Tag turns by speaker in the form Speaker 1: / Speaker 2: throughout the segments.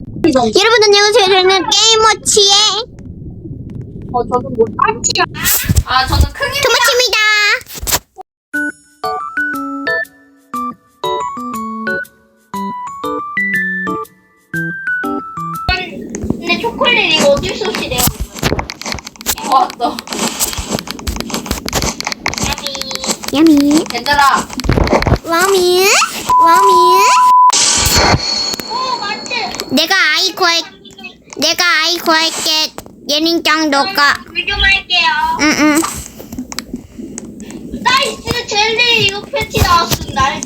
Speaker 1: 여러분 안녕하세요. 저는 게임워치의
Speaker 2: 저는 뭐 딸치야. 저는 크게.
Speaker 1: 토마치입니다.
Speaker 3: 근데 초콜릿 이거 어쩔 수 없이 내가
Speaker 2: 왔어.
Speaker 1: 야미
Speaker 2: 얘들아.
Speaker 1: 와미
Speaker 3: 맞지?
Speaker 1: 내가 아이 구할게. 예린짱 너가
Speaker 3: 불좀 할게요.
Speaker 1: 응응.
Speaker 3: 나이스 젤리 이거 패치 나왔어. 날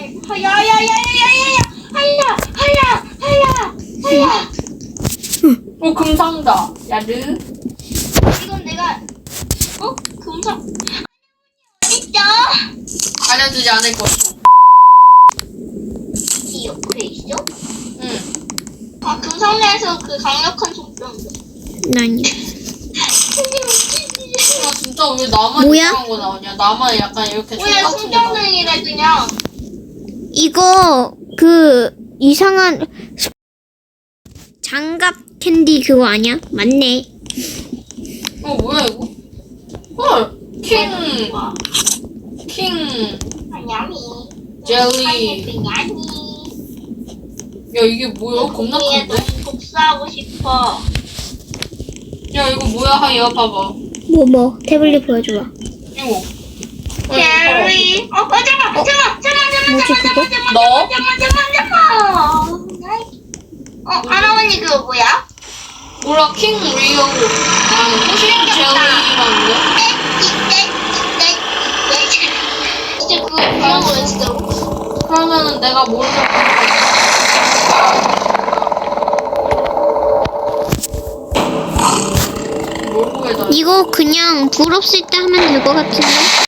Speaker 3: 하야.
Speaker 2: 오 금상자. 야르.
Speaker 3: 이건 내가 금상 어딨죠?
Speaker 2: 알려주지 않을 것이고.
Speaker 3: 이 옆에 있어?
Speaker 2: 응.
Speaker 3: 금상자에서 그 강력한 속병도.
Speaker 1: 아니
Speaker 2: 진짜 왜 나만
Speaker 1: 뭐야?
Speaker 2: 이상한 거 나오냐? 나만 약간 이렇게
Speaker 3: 뭐야
Speaker 2: 똑같은 거 나오냐?
Speaker 3: 손전등이래 그냥.
Speaker 1: 이거 그 이상한 장갑 캔디 그거 아니야? 맞네.
Speaker 2: 뭐야 이거? 헐. 킹.
Speaker 3: 야미.
Speaker 2: 젤리.
Speaker 3: 야미.
Speaker 2: 야 이게 뭐야? 겁나
Speaker 3: 얘
Speaker 2: 큰데?
Speaker 3: 너무 복사하고 싶어.
Speaker 2: 야 이거 뭐야? 하야 봐봐.
Speaker 1: 뭐 태블릿 보여줘봐.
Speaker 2: 이거.
Speaker 3: 젤리. 잠깐.
Speaker 1: 뭐지 그거?
Speaker 2: 너?
Speaker 3: 할아버지 그거 뭐야?
Speaker 2: 몰라 킹 리오. 킹 젤리라는데?
Speaker 3: 진짜 그런 거야 진짜로?
Speaker 2: 그러면은 내가 모르는 뭘 구해다.
Speaker 1: 이거 그냥 불 없을 때 하면 될 것 같은데.